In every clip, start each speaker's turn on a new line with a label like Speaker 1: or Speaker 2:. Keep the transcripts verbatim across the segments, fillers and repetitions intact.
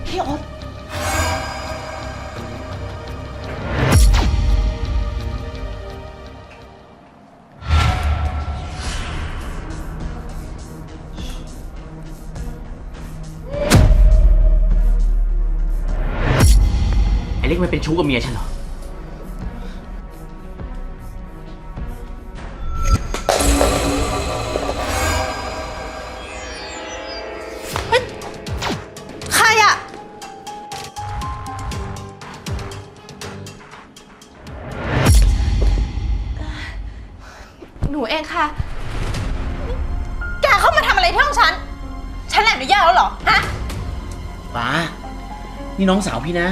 Speaker 1: พี่โอ๊ต
Speaker 2: ไอ้เล็กมันเป็นชู้กับเมียฉันเหรอ
Speaker 1: ใครอะหนูเองค่ะ แกเข้ามาทำอะไรที่ห้องฉัน ฉันอนุญาตแล้วเหรอ ฮะ
Speaker 2: ป้านี่น้องสาวพี่นะ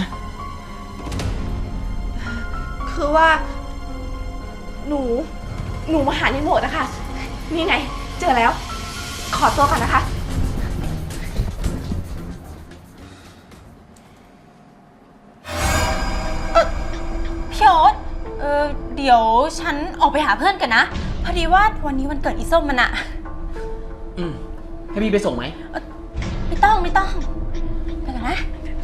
Speaker 1: คือว่า หนู หนูมาหารีโมทนะคะ นี่ไง เจอแล้ว ขอตัวก่อนนะคะ เออพี่โอ๊ตเออเดี๋ยวฉันออกไปหาเพื่อนกันนะ พอดีว่าวันนี้วันเกิดอีส้มมันอะ
Speaker 2: อืมให้พี่ไปส่งไหม
Speaker 1: เอ่อไม่ต้องไม่ต้อง ไปกันนะ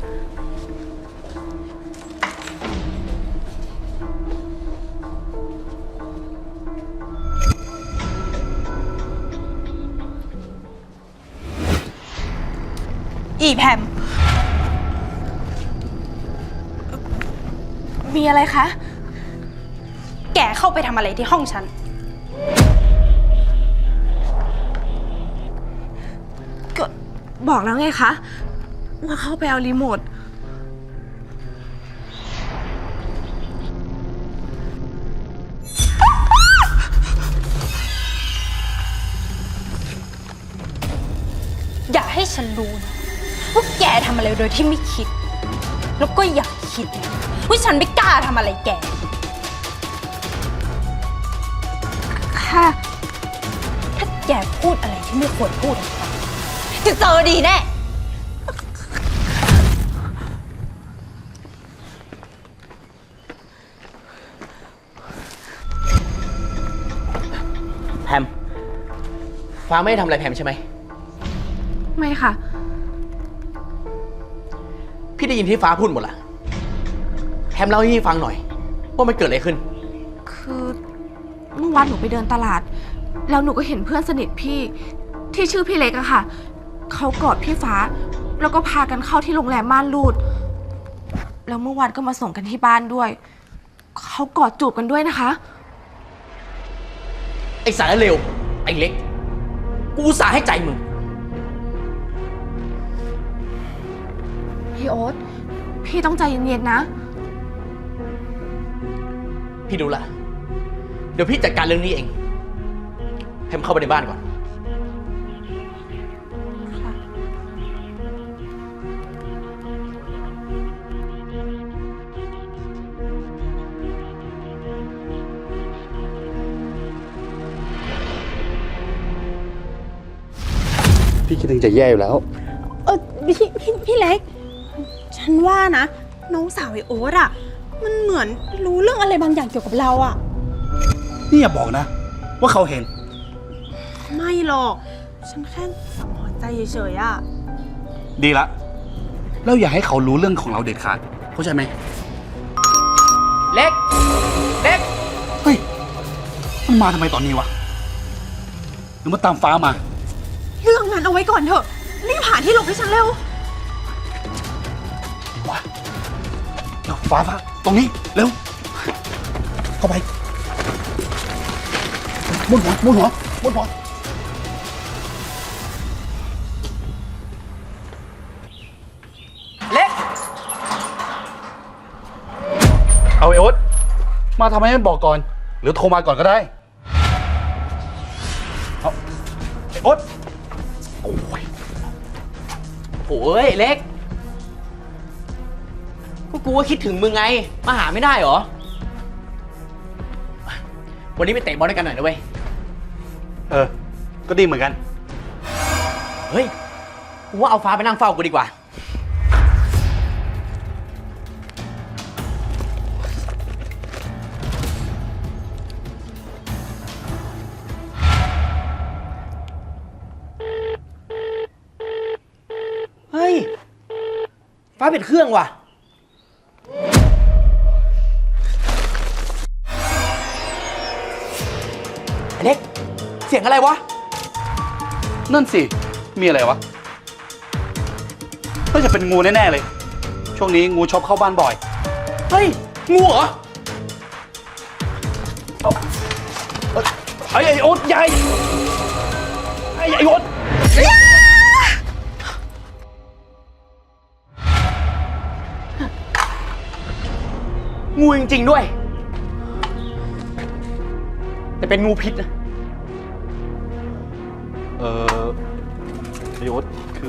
Speaker 1: อีแพม มีอะไรคะ แกเข้าไปทำอะไรที่ห้องฉัน ก็บอกแล้วไงคะ ว่าเข้าไปเอารีโมท อย่าให้ฉันรู้นะว่าแกทำอะไรโดยที่ไม่คิด แล้วก็อย่าคิดนะว่าฉันไม่กล้าทำอะไรแก ค่ะ ถ้าแกพูดอะไรที่ไม่ควรพูดออกไปจะเจอดีแน่
Speaker 2: แพมฟ้าไม่ได้ทำอะไรแพมใช่ไหม
Speaker 1: ไม่ค่ะ
Speaker 2: พี่ได้ยินที่ฟ้าพูดหมดละแพมเล่าให้พี่ฟังหน่อยว่ามันเกิดอะไรขึ้น
Speaker 1: คือเมื่อวานหนูไปเดินตลาด แล้วหนูก็เห็นเพื่อนสนิทพี่ที่ชื่อพี่เล็กอะค่ะ เขากอดพี่ฟ้า แล้วก็พากันเข้าที่โรงแรมม่านรูด แล้วเมื่อวานก็มาส่งกันที่บ้านด้วย เขากอดจูบกันด้วยนะคะ
Speaker 2: ไอ้สารเลวไอ้เล็ก กูอุตส่าห์ให้ใจมึง
Speaker 1: พี่โอ๊ต พี่ต้องใจเย็นๆนะ
Speaker 2: พี่ดูละ เดี๋ยวพี่จัดการเรื่องนี้เองแพมเข้าไปในบ้านก่อน
Speaker 3: พี่คิดถึงจะแย่อยู่แล้ว
Speaker 4: เออพี่พี่พี่เล็ก ฉันว่านะ น้องสาวไอโอ๊ตอะมันเหมือนรู้เรื่องอะไรบางอย่างเกี่ยวกับเราอะ
Speaker 3: นี่อย่าบอกนะ ว่าเขาเห็น
Speaker 4: ไม่หรอก ฉันแค่สังหรณ์ใจเฉยๆอะ
Speaker 3: ดีละ แล้วอย่าให้เขารู้เรื่องของเราเด็ดขาดเข้าใจไหม
Speaker 2: เล็ก เล็ก
Speaker 3: เฮ้ย มันมาทำไมตอนนี้วะ หรือมาตามฟ้ามา
Speaker 4: เรื่องนั้นเอาไว้ก่อนเถอะรีบหาที่หลบให้ฉันเร็ว
Speaker 3: วะเดี๋ยวฟ้าฟ้าตรงนี้ เร็ว เข้าไปมุดหัวมุดหัวมุดหัว
Speaker 2: เล็ก
Speaker 3: เอาไอ้โอ๊ตมาทำไมไม่บอกก่อน หรือโทรมาก่อนก็ได้ เอาไอ้โอ๊ตโอ้ย
Speaker 2: โอ้ยเล็กก็กูก็คิดถึงมึงไง มาหาไม่ได้เหรอ วันนี้ไปเตะบอลด้วยกันหน่อยนะเว้ย
Speaker 3: เออ ก็ดีเหมือนกัน
Speaker 2: เฮ้ย กูว่าเอาฟ้าไปนั่งเฝ้ากูดีกว่า เฮ้ยฟ้าเป็นเครื่องว่ะไอ้เล็ก เสียงอะไรวะ
Speaker 3: นั่นสิ มีอะไรวะน่าจะเป็นงูแน่ๆเลย ช่วงนี้งูชอบเข้าบ้านบ่อย
Speaker 2: เฮ้ย งูเหรอ
Speaker 3: ไอ้ไอ้โอ๊ตใหญ่ไอ้ไอ้โอ๊ต
Speaker 2: งูจริงๆด้วย แต่เป็นงูพิษนะ
Speaker 3: เออไอ้โอ๊ตคือ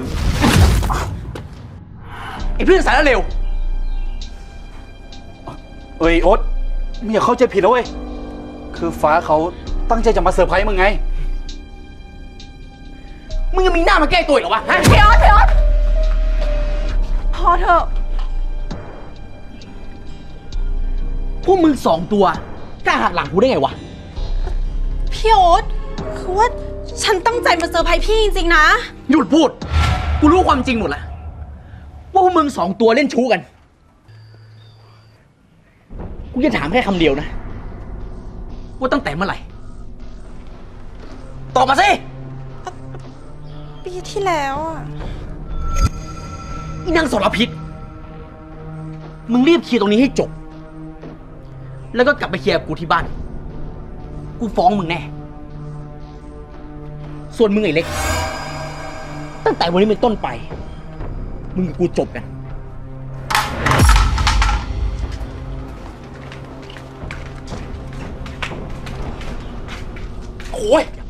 Speaker 2: ไอ้เพื่อนสายแล้วเร็ว
Speaker 3: เอ้ยโอ๊ตมึงอย่าเข้าใจผิดนะเว้ย คือฟ้าเขาตั้งใจจะมาเซอร์ไพรส์มึงไง
Speaker 2: มึงยังมีหน้ามาแก้ตัวอีกเหรอวะฮะ
Speaker 1: พี่ออสพี่ออสพอเถอะ
Speaker 2: พวกมึงสองตัวกล้าหักหลังกูได้ไงวะ
Speaker 4: พี่โอ๊ตคือว่าฉันตั้งใจมาเซอร์ไพรส์พี่จริงๆนะ
Speaker 2: หยุดพูด กูรู้ความจริงหมดละว่าพวกมึงสองตัวเล่นชู้กัน กูจะถามแค่คำเดียวนะ ว่าตั้งแต่เมื่อไหร่ ตอบมาสิ
Speaker 4: ปีที่แล้วอะ
Speaker 2: อีนางสรพิษ มึงรีบเคลียร์ตรงนี้ให้จบ แล้วก็กลับไปเคลียร์กับกูที่บ้าน กูฟ้องมึงแน่ ส่วนมึงไอ้เล็ก ตั้งแต่วันนี้เป็นต้นไป มึงกับกูจบกัน โอ้ย